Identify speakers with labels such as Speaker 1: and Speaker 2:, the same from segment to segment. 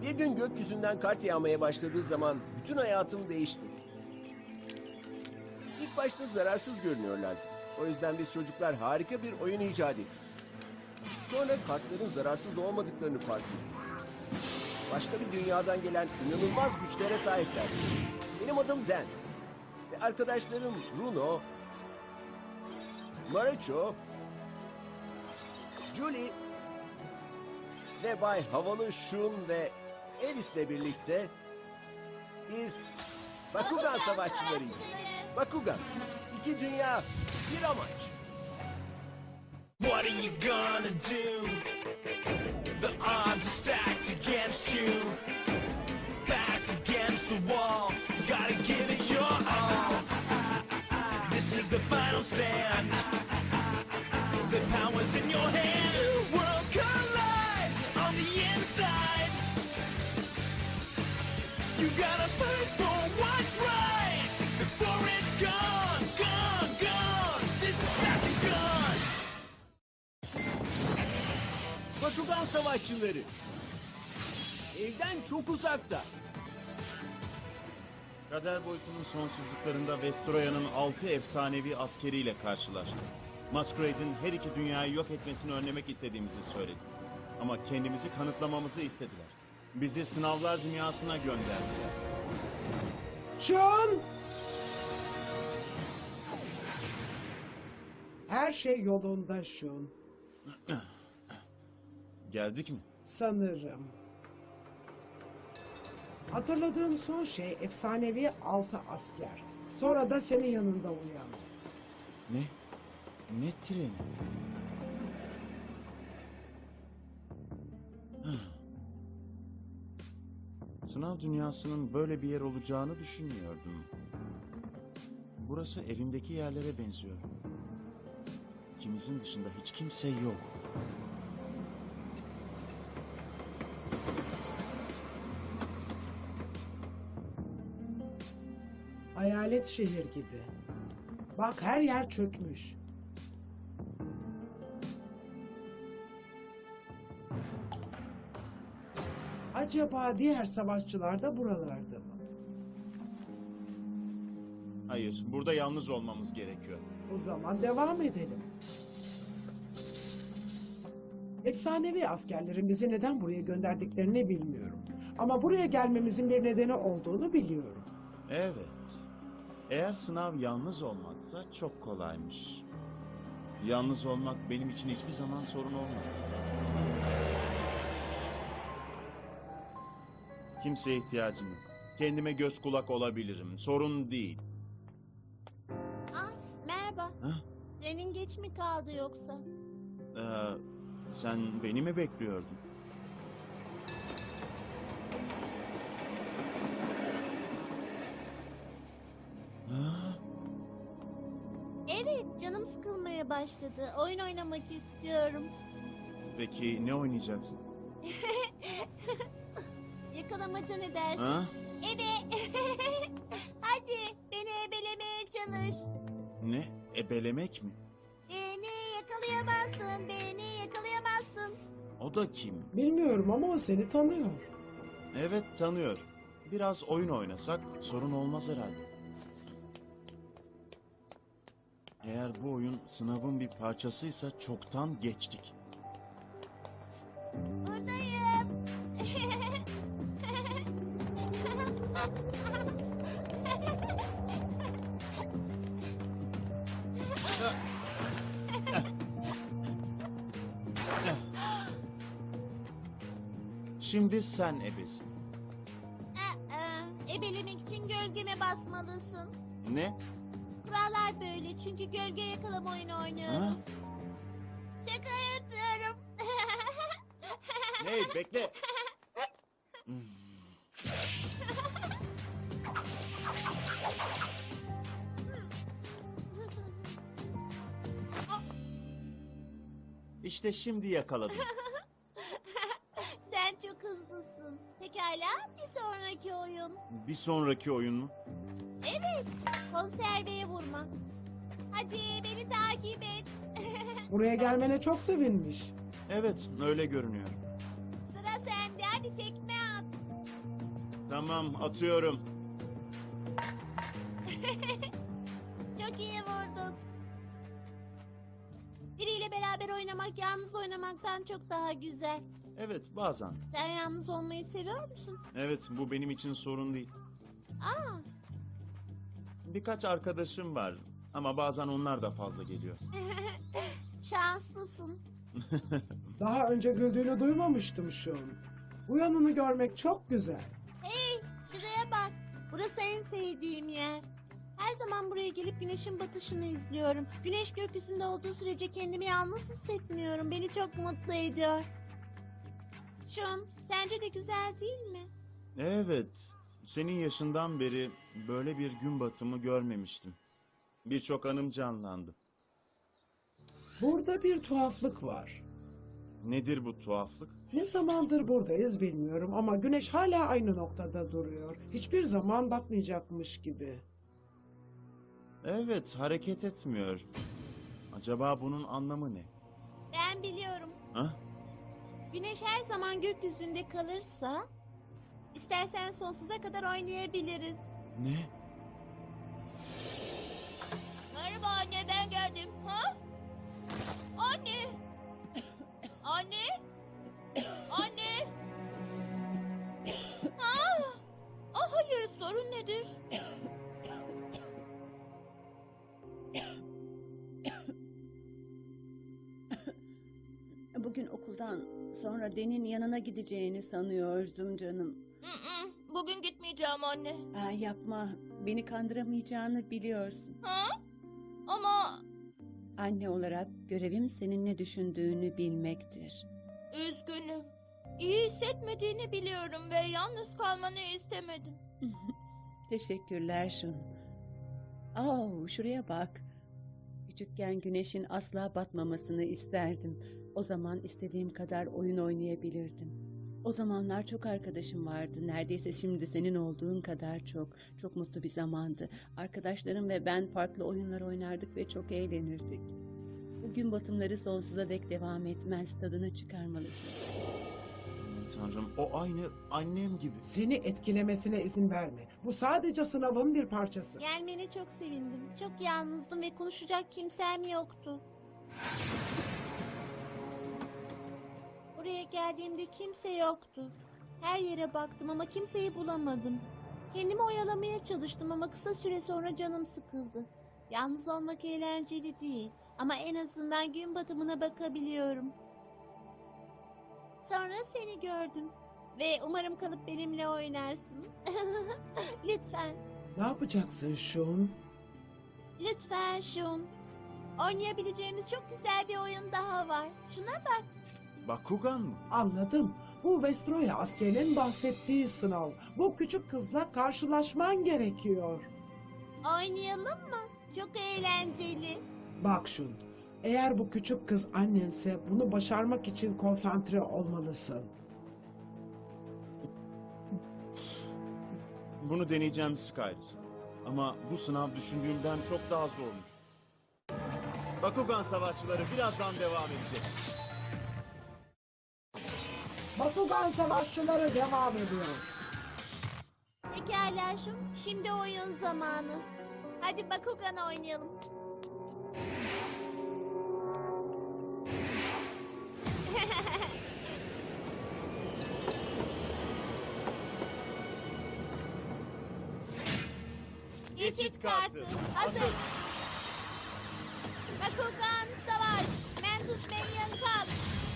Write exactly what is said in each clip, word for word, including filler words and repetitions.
Speaker 1: Bir gün gökyüzünden kart yağmaya başladığı zaman bütün hayatım değişti. İlk başta zararsız görünüyorlardı. O yüzden biz çocuklar harika bir oyun icat ettik. Sonra kartların zararsız olmadıklarını fark ettik. Başka bir dünyadan gelen inanılmaz güçlere sahiplerdi. Benim adım Dan. Ve arkadaşlarım Bruno, Marucho, Julie ve Bay Havalı Şun ve Alice'le birlikte biz Bakugan savaşçılarıyız. Bakugan, iki dünya, bir amaç.
Speaker 2: What are you gonna do? The odds are stacked against you. Back against the wall, gotta give it your all. This is the final stand. The power's in your hand. Two worlds collide on the inside. You gotta fight for what's right before it's gone, gone, gone. This is Bakugan.
Speaker 1: Bakugan savaşçıları. Evden çok uzakta.
Speaker 3: Kader boyutunun sonsuzluklarında Vestroya'nın altı efsanevi askeriyle karşılaştık. Masquerade'in her iki dünyayı yok etmesini önlemek istediğimizi söyledik. Ama kendimizi kanıtlamamızı istediler. Bizi sınavlar dünyasına gönderdiler.
Speaker 4: Şun! Her şey yolunda Şun.
Speaker 3: Geldik mi?
Speaker 4: Sanırım. Hatırladığım son şey efsanevi altı asker. Sonra da senin yanında uyandı.
Speaker 3: Ne? Ne treni? Sınav dünyasının böyle bir yer olacağını düşünmüyordum. Burası evimdeki yerlere benziyor. İkimizin dışında hiç kimse yok.
Speaker 4: Hayalet şehir gibi. Bak her yer çökmüş. Acaba diğer savaşçılar da buralarda mı?
Speaker 3: Hayır, burada yalnız olmamız gerekiyor.
Speaker 4: O zaman devam edelim. Efsanevi askerlerin bizi neden buraya gönderdiklerini bilmiyorum. Ama buraya gelmemizin bir nedeni olduğunu biliyorum.
Speaker 3: Evet. Eğer sınav yalnız olmaksa çok kolaymış. Yalnız olmak benim için hiçbir zaman sorun olmadı. Kimseye ihtiyacım yok. Kendime göz kulak olabilirim. Sorun değil.
Speaker 5: Ay merhaba.
Speaker 3: Ha?
Speaker 5: Trenin geç mi kaldı yoksa?
Speaker 3: Ee, sen beni mi bekliyordun? Ha?
Speaker 5: Evet, canım sıkılmaya başladı. Oyun oynamak istiyorum.
Speaker 3: Peki ne oynayacaksın?
Speaker 5: Yakalamaca ne dersin?
Speaker 3: Ha?
Speaker 5: Ebe. Hadi beni ebelemeye çalış.
Speaker 3: Ne? Ebelemek mi?
Speaker 5: Beni yakalayamazsın, beni yakalayamazsın.
Speaker 3: O da kim?
Speaker 4: Bilmiyorum ama o seni tanıyor.
Speaker 3: Evet, tanıyor. Biraz oyun oynasak sorun olmaz herhalde. Eğer bu oyun sınavın bir parçasıysa çoktan geçtik.
Speaker 5: Buradayım.
Speaker 3: Şimdi sen ebesin.
Speaker 5: Aa, ebelemek için gölgeme basmalısın.
Speaker 3: Ne?
Speaker 5: Kurallar böyle çünkü gölge yakalama oyunu oynuyoruz.
Speaker 3: Ha?
Speaker 5: Şaka yapıyorum.
Speaker 3: Hey, bekle. İşte şimdi yakaladım.
Speaker 5: Sen çok hızlısın. Pekala bir sonraki oyun.
Speaker 3: Bir sonraki oyun mu?
Speaker 5: Evet, konserveye vurma. Hadi beni takip et.
Speaker 4: Buraya gelmene çok sevinmiş.
Speaker 3: Evet, öyle görünüyor.
Speaker 5: Sıra sende, hadi tekme at.
Speaker 3: Tamam, atıyorum.
Speaker 5: Çok iyi vurdun. Biriyle beraber oynamak yalnız oynamaktan çok daha güzel.
Speaker 3: Evet, bazen.
Speaker 5: Sen yalnız olmayı seviyor musun?
Speaker 3: Evet, bu benim için sorun değil.
Speaker 5: Aa,
Speaker 3: Birkaç arkadaşım var ama bazen onlar da fazla geliyor.
Speaker 5: şanslısın.
Speaker 4: Daha önce güldüğünü duymamıştım Şun. Bu yanını görmek çok güzel.
Speaker 5: Hey, şuraya bak. Burası en sevdiğim yer. Her zaman buraya gelip güneşin batışını izliyorum. Güneş gökyüzünde olduğu sürece kendimi yalnız hissetmiyorum. Beni çok mutlu ediyor. Şun, sence de güzel değil mi?
Speaker 3: Evet, senin yaşından beri böyle bir gün batımı görmemiştim. Birçok anım canlandı.
Speaker 4: Burada bir tuhaflık var.
Speaker 3: Nedir bu tuhaflık?
Speaker 4: Ne zamandır buradayız bilmiyorum ama güneş hala aynı noktada duruyor. Hiçbir zaman batmayacakmış gibi.
Speaker 3: Evet, hareket etmiyor. Acaba bunun anlamı ne?
Speaker 5: Ben biliyorum.
Speaker 3: Ha?
Speaker 5: Güneş her zaman gökyüzünde kalırsa... istersen sonsuza kadar oynayabiliriz.
Speaker 3: Ne?
Speaker 5: Merhaba anne, ben geldim. Ha? Anne! Anne! Anne! Ha? Ah, hayır, sorun nedir?
Speaker 6: Bugün okuldan sonra Den'in yanına gideceğini sanıyordum canım.
Speaker 5: Bugün gitmeyeceğim anne.
Speaker 6: Aa, yapma, beni kandıramayacağını biliyorsun.
Speaker 5: Ha? Ama
Speaker 6: Anne olarak görevim senin ne düşündüğünü bilmektir.
Speaker 5: üzgünüm. İyi hissetmediğini biliyorum ve yalnız kalmanı istemedim.
Speaker 6: Teşekkürler Şun. Oh, şuraya bak. Küçükken güneşin asla batmamasını isterdim. O zaman istediğim kadar oyun oynayabilirdim. O zamanlar çok arkadaşım vardı. Neredeyse şimdi senin olduğun kadar çok. Çok mutlu bir zamandı. Arkadaşlarım ve ben farklı oyunlar oynardık ve çok eğlenirdik. Bu gün batımları sonsuza dek devam etmez. Tadını çıkarmalısın.
Speaker 3: Tanrım, o aynı annem gibi.
Speaker 4: Seni etkilemesine izin verme. Bu sadece sınavın bir parçası.
Speaker 5: Gelmene çok sevindim. Çok yalnızdım ve konuşacak kimsem yoktu. Buraya geldiğimde kimse yoktu. Her yere baktım ama kimseyi bulamadım. Kendimi oyalamaya çalıştım ama kısa süre sonra canım sıkıldı. Yalnız olmak eğlenceli değil ama en azından gün batımına bakabiliyorum. Sonra seni gördüm ve umarım kalıp benimle oynarsın. Lütfen,
Speaker 4: Ne yapacaksın Şun?
Speaker 5: lütfen Şun. Oynayabileceğimiz çok güzel bir oyun daha var. Şuna bak.
Speaker 3: Bakugan mı?
Speaker 4: Anladım. Bu Vestroya askerinin bahsettiği sınav. Bu küçük kızla karşılaşman gerekiyor.
Speaker 5: Oynayalım mı? Çok eğlenceli.
Speaker 4: Bak Şun, eğer bu küçük kız annense bunu başarmak için konsantre olmalısın.
Speaker 3: Bunu deneyeceğim Skyler. Ama bu sınav düşündüğümden çok daha zormuş. Bakugan savaşçıları birazdan devam edecek.
Speaker 4: Bakugan savaşçıları devam ediyor.
Speaker 5: Pekala Şun, şimdi oyun zamanı. Hadi Bakugan oynayalım. Geçit kartı. Hazır. Bakugan savaş. Mentus Minion kalk.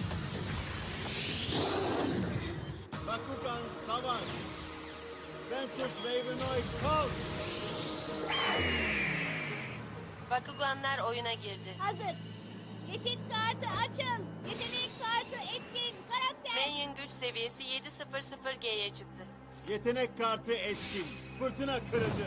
Speaker 3: Bakugan savaş. Ventus Ravenoid kalk.
Speaker 7: Bakuganlar oyuna girdi.
Speaker 5: Hazır. Geçit kartı açın. Yetenek kartı etkin. Karakter.
Speaker 7: Minion güç seviyesi yedi sıfır sıfır G'ye çıktı.
Speaker 3: Yetenek kartı etkin. Fırtına kırıcı.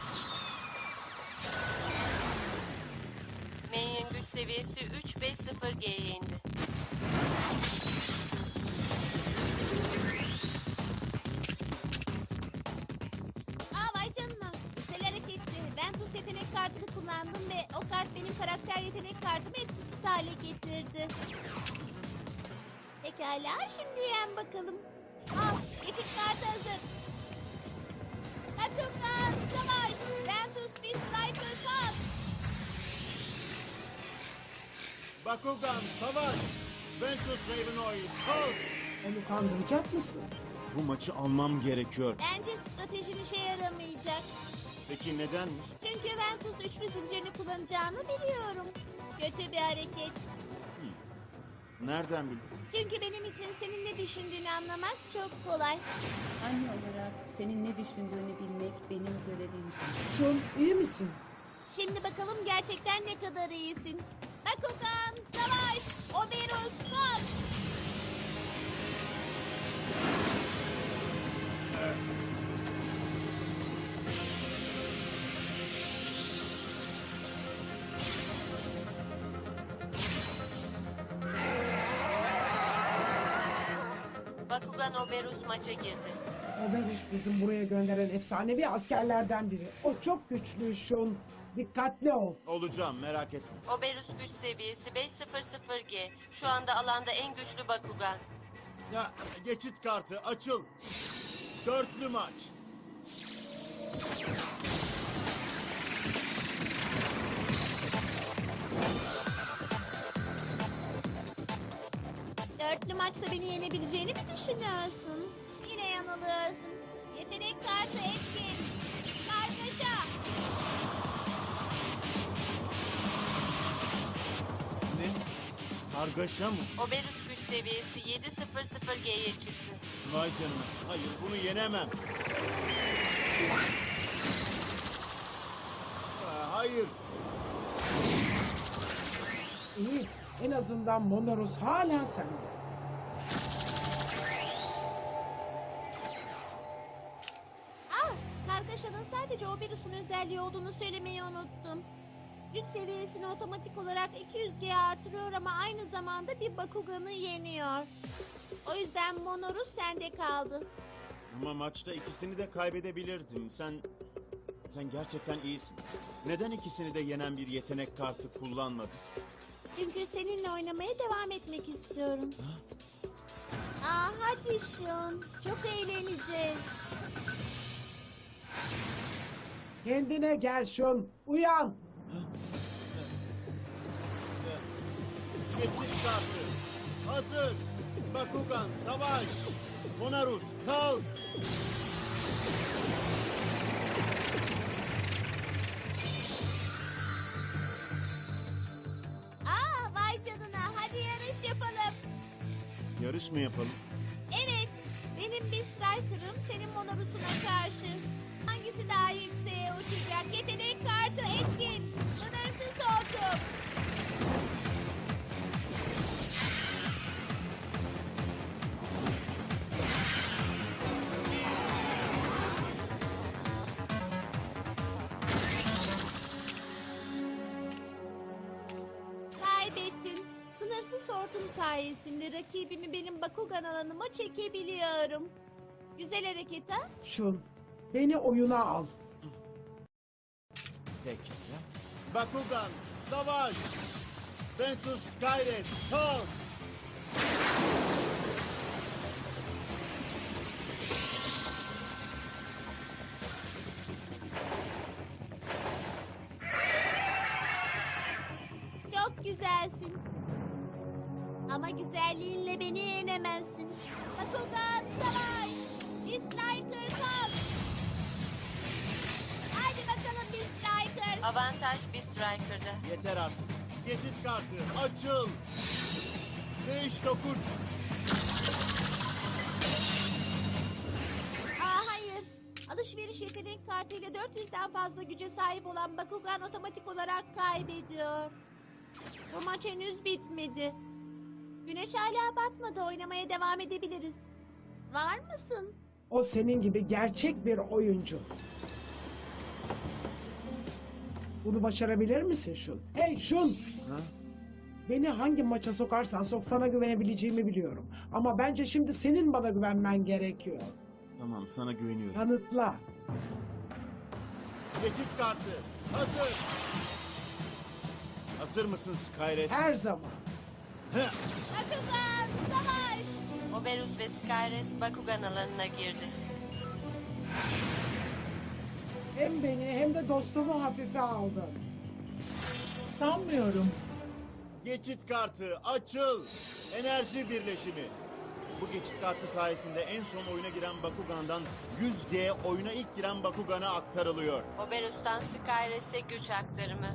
Speaker 7: Minion güç seviyesi üç beş sıfır G'ye indi.
Speaker 5: Aa vay canına. Güzel hareketti. Ben tuz yetenek kartını kullandım ve o kart benim karakter yetenek kartımı etkisiz hale getirdi. Pekala şimdi yen bakalım. Al geçit kartı hazır. Bakugan savaş. Ventus Beast Striker kalk.
Speaker 3: Bakugan savaş! Ventus Ravenoid kalk!
Speaker 4: Onu kandıracak mısın?
Speaker 3: Bu maçı almam gerekiyor.
Speaker 5: Bence stratejin işe yaramayacak.
Speaker 3: Peki neden?
Speaker 5: Çünkü Ventus üçlü zincirini kullanacağını biliyorum. Kötü bir hareket.
Speaker 3: Nereden bildin?
Speaker 5: Çünkü benim için senin ne düşündüğünü anlamak çok kolay.
Speaker 6: Anne olarak senin ne düşündüğünü bilmek benim görevim.
Speaker 4: Şun, iyi misin?
Speaker 5: Şimdi bakalım gerçekten ne kadar iyisin. Bakugan savaş. Oberus kalk.
Speaker 7: Bakugan Oberus maça girdi.
Speaker 4: Oberus bizim buraya gönderen efsanevi askerlerden biri. O çok güçlü Şun. Dikkatli ol.
Speaker 3: Olacağım, merak etme.
Speaker 7: Oberus güç seviyesi beş yüz G. Şu anda alanda en güçlü Bakugan.
Speaker 3: Ya geçit kartı açıl. Dörtlü maç.
Speaker 5: Dörtlü maçta beni yenebileceğini mi düşünüyorsun? Yine yanılıyorsun. Yetenek kartı etkin. Kargaşa.
Speaker 3: Ne? Kargaşa mı?
Speaker 7: Oberus güç seviyesi yedi yüz G'ye çıktı.
Speaker 3: Vay canına. Hayır, bunu yenemem. Aa, hayır.
Speaker 4: İyi. En azından Monorus hala sende.
Speaker 5: Ah, kargaşanın sadece Oberus'un özelliği olduğunu söylemeyi unuttum. Güç seviyesini otomatik olarak iki yüz G'ye artırıyor ama aynı zamanda bir Bakugan'ı yeniyor. O yüzden Monorus sende kaldı.
Speaker 3: Ama maçta ikisini de kaybedebilirdim. Sen... Sen gerçekten iyisin. Neden ikisini de yenen bir yetenek kartı kullanmadın?
Speaker 5: Çünkü seninle oynamaya devam etmek istiyorum. Aa, hadi Şun. Çok eğleneceğiz.
Speaker 4: Kendine gel Şun. Uyan.
Speaker 3: Geçit kartı. Hazır. Bakugan savaş. Monarus kalk.
Speaker 5: Aa, vay canına. Hadi yarış yapalım.
Speaker 3: Yarış mı yapalım?
Speaker 5: Evet. Benim bir striker'ım senin Monorus'una karşı. Hangisi daha yükseğe uçacak? Yetenek kartı etkin. Sınırsız hortum. Kaybettim. Sınırsız hortum sayesinde rakibimi benim Bakugan alanıma çekebiliyorum. Güzel hareket ha?
Speaker 4: Şun, beni oyuna al.
Speaker 3: Peki. Bakugan savaş. Ventus Skyres kalk.
Speaker 5: Çok güzelsin. Ama güzelliğinle beni yenemezsin. Bakugan savaş. Bir striker kalk. Hadi bakalım bir striker.
Speaker 7: Avantaj bir Striker'da.
Speaker 3: Yeter artık. Geçit kartı açıl. Değiş dokuz.
Speaker 5: Aa, hayır. Alışveriş yetenek kartıyla dört yüzden fazla güce sahip olan Bakugan otomatik olarak kaybediyor. Bu maç henüz bitmedi. Güneş hala batmadı. Oynamaya devam edebiliriz. Var mısın?
Speaker 4: O senin gibi gerçek bir oyuncu. Bunu başarabilir misin Şun? Hey Şun!
Speaker 3: Ha?
Speaker 4: Beni hangi maça sokarsan sok sana güvenebileceğimi biliyorum. Ama bence şimdi senin bana güvenmen gerekiyor.
Speaker 3: Tamam, sana güveniyorum.
Speaker 4: Kanıtla.
Speaker 3: Geçit kartı hazır. Hazır mısın Skyres?
Speaker 4: Her zaman.
Speaker 3: Heh.
Speaker 5: Bakugan savaş.
Speaker 7: Oberus ve Skyres Bakugan alanına girdi.
Speaker 4: Hem beni hem de dostumu hafife aldın.
Speaker 8: Sanmıyorum.
Speaker 3: Geçit kartı açıl. Enerji birleşimi. Bu geçit kartı sayesinde en son oyuna giren Bakugan'dan yüz G oyuna ilk giren Bakugan'a aktarılıyor.
Speaker 7: Oberus'tan Skyres'e güç aktarımı.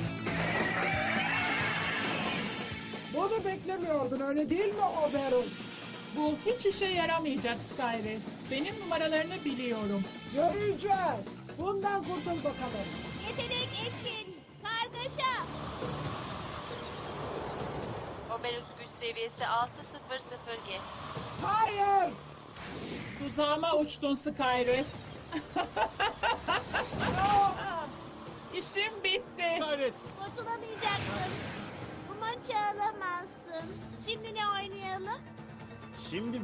Speaker 4: Bunu beklemiyordun öyle değil mi Oberus?
Speaker 8: Bu hiç işe yaramayacak Skyres. Senin numaralarını biliyorum.
Speaker 4: Göreceğiz. Bundan kurtul bakalım.
Speaker 5: Yetenek etkin. Kargaşa.
Speaker 7: Oberus güç seviyesi altı sıfır sıfır G.
Speaker 4: Hayır.
Speaker 8: Tuzağıma uçtun Skyres. İşim bitti.
Speaker 3: Skyres,
Speaker 5: Kurtulamayacaksın. Bu maçı alamazsın. Şimdi ne oynayalım?
Speaker 3: şimdi mi?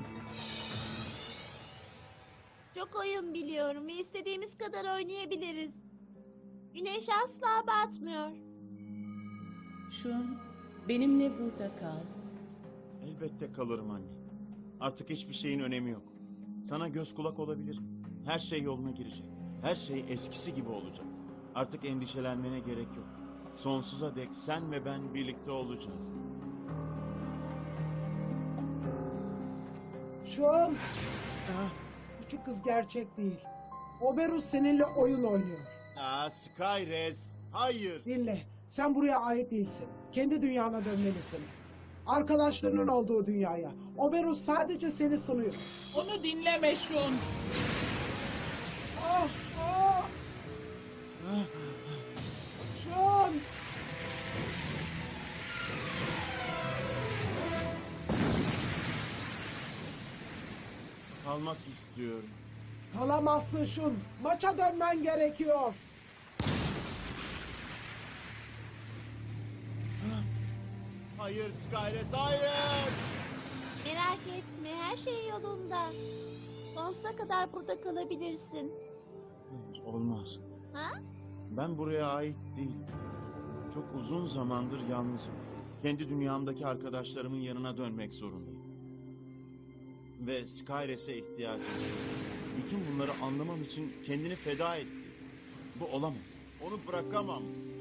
Speaker 5: Çok oyun biliyorum ve istediğimiz kadar oynayabiliriz. Güneş asla batmıyor.
Speaker 6: Şun, benimle burada kal.
Speaker 3: Elbette kalırım anne. Artık hiçbir şeyin önemi yok. Sana göz kulak olabilirim. Her şey yoluna girecek. Her şey eskisi gibi olacak. Artık endişelenmene gerek yok. Sonsuza dek sen ve ben birlikte olacağız.
Speaker 4: Şun. Küçük kız gerçek değil. Oberus seninle oyun oynuyor.
Speaker 3: Aa, Skyres, hayır.
Speaker 4: Dinle. Sen buraya ait değilsin. Kendi dünyana dönmelisin. Arkadaşlarının olduğu dünyaya. Oberus sadece seni sınıyor.
Speaker 8: Onu dinleme Şun.
Speaker 4: Ah, ah. Şun.
Speaker 3: Kalmak istiyorum.
Speaker 4: Kalamazsın Şun. Maça dönmen gerekiyor.
Speaker 3: Hayır Skyres, hayır.
Speaker 5: Merak etme, her şey yolunda. Sonsuza kadar burada kalabilirsin.
Speaker 3: Hayır, olmaz.
Speaker 5: Ha?
Speaker 3: Ben buraya ait değilim. Çok uzun zamandır yalnızım. Kendi dünyamdaki arkadaşlarımın yanına dönmek zorundayım. Ve Skyres'e ihtiyacım var. Bütün bunları anlamam için kendini feda etti. Bu olamaz. Onu bırakamam.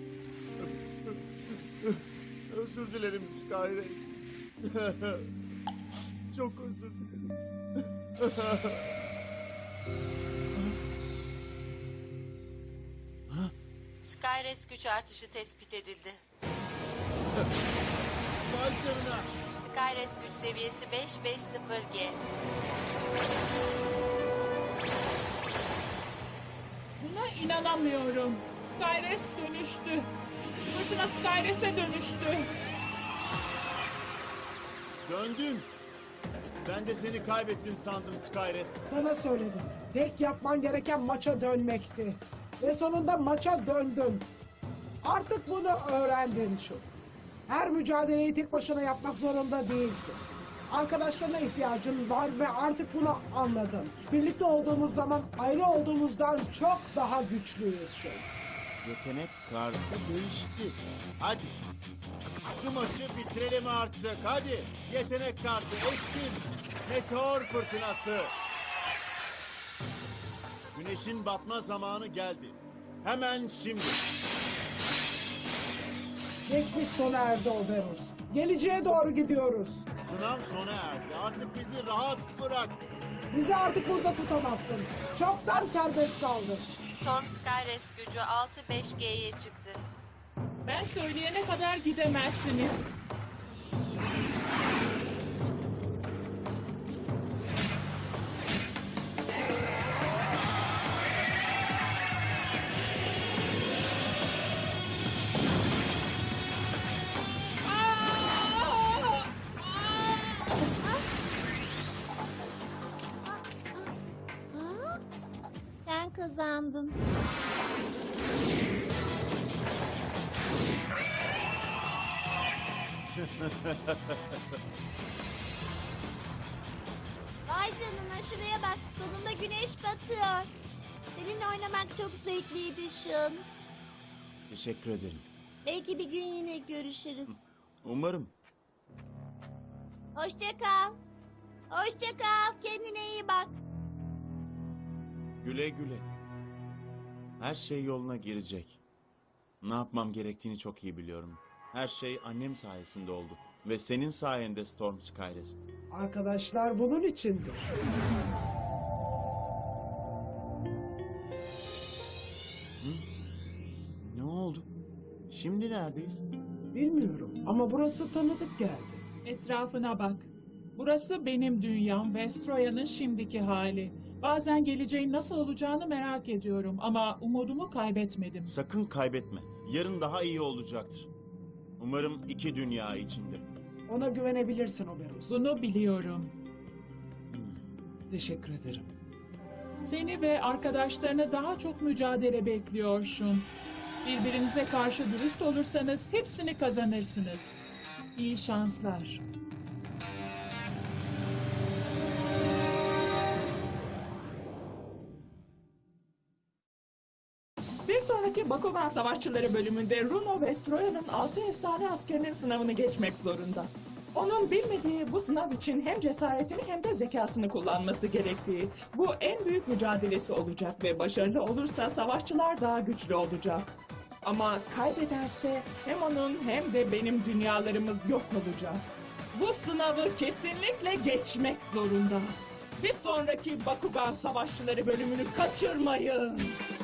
Speaker 3: Özür dilerim Skyres. Çok özür dilerim.
Speaker 7: Skyres güç artışı tespit edildi.
Speaker 3: Vay canına.
Speaker 7: Skyres güç seviyesi beş beş sıfır G.
Speaker 8: Buna inanamıyorum. Skyres dönüştü. Fırtına Skyres'e dönüştü.
Speaker 3: Döndün. Ben de seni kaybettim sandım Skyres.
Speaker 4: Sana söyledim. Tek yapman gereken maça dönmekti. Ve sonunda maça döndün. Artık bunu öğrendin şu. Her mücadeleyi tek başına yapmak zorunda değilsin. Arkadaşlarına ihtiyacın var ve artık bunu anladın. Birlikte olduğumuz zaman ayrı olduğumuzdan çok daha güçlüyüz şu.
Speaker 3: Yetenek kartı değişti. Hadi. Şu maçı bitirelim artık. Hadi. Yetenek kartı etkin. Meteor fırtınası. Güneşin batma zamanı geldi. Hemen şimdi.
Speaker 4: Geçmiş sona erdi Oberus. Geleceğe doğru gidiyoruz.
Speaker 3: Sınav sona erdi. Artık bizi rahat bırak.
Speaker 4: Bizi artık burada tutamazsın. Çoktan serbest kaldın.
Speaker 7: Storm Skyres gücü altı beş G'ye çıktı.
Speaker 8: Ben söyleyene kadar gidemezsiniz. Aa!
Speaker 5: Ha? Sen kazandın. Vay canına şuraya bak. Sonunda güneş batıyor. Seninle oynamak çok zevkliydi Şun.
Speaker 3: Teşekkür ederim.
Speaker 5: Belki bir gün yine görüşürüz.
Speaker 3: Umarım.
Speaker 5: Hoşça kal. Hoşça kal. Kendine iyi bak.
Speaker 3: Güle güle. Her şey yoluna girecek. Ne yapmam gerektiğini çok iyi biliyorum. Her şey annem sayesinde oldu. Ve senin sayende Storm Skyres.
Speaker 4: Arkadaşlar bunun içindir.
Speaker 3: Ne oldu? Şimdi neredeyiz?
Speaker 4: Bilmiyorum ama burası tanıdık geldi.
Speaker 8: Etrafına bak. Burası benim dünyam, Vestroya'nın şimdiki hali. Bazen geleceğin nasıl olacağını merak ediyorum ama umudumu kaybetmedim.
Speaker 3: Sakın kaybetme. Yarın daha iyi olacaktır. Umarım iki dünya içinde.
Speaker 4: Ona güvenebilirsin Oberus.
Speaker 8: Bunu biliyorum.
Speaker 4: Teşekkür ederim.
Speaker 8: Seni ve arkadaşlarını daha çok mücadele bekliyor Şun. Birbirinize karşı dürüst olursanız hepsini kazanırsınız. İyi şanslar.
Speaker 9: Bir sonraki Bakugan Savaşçıları bölümünde Runo Vestroya'nın altı efsane askerinin sınavını geçmek zorunda. Onun bilmediği bu sınav için hem cesaretini hem de zekasını kullanması gerektiği. Bu en büyük mücadelesi olacak ve başarılı olursa savaşçılar daha güçlü olacak. Ama kaybederse hem onun hem de benim dünyalarımız yok olacak. Bu sınavı kesinlikle geçmek zorunda. Bir sonraki Bakugan Savaşçıları bölümünü kaçırmayın.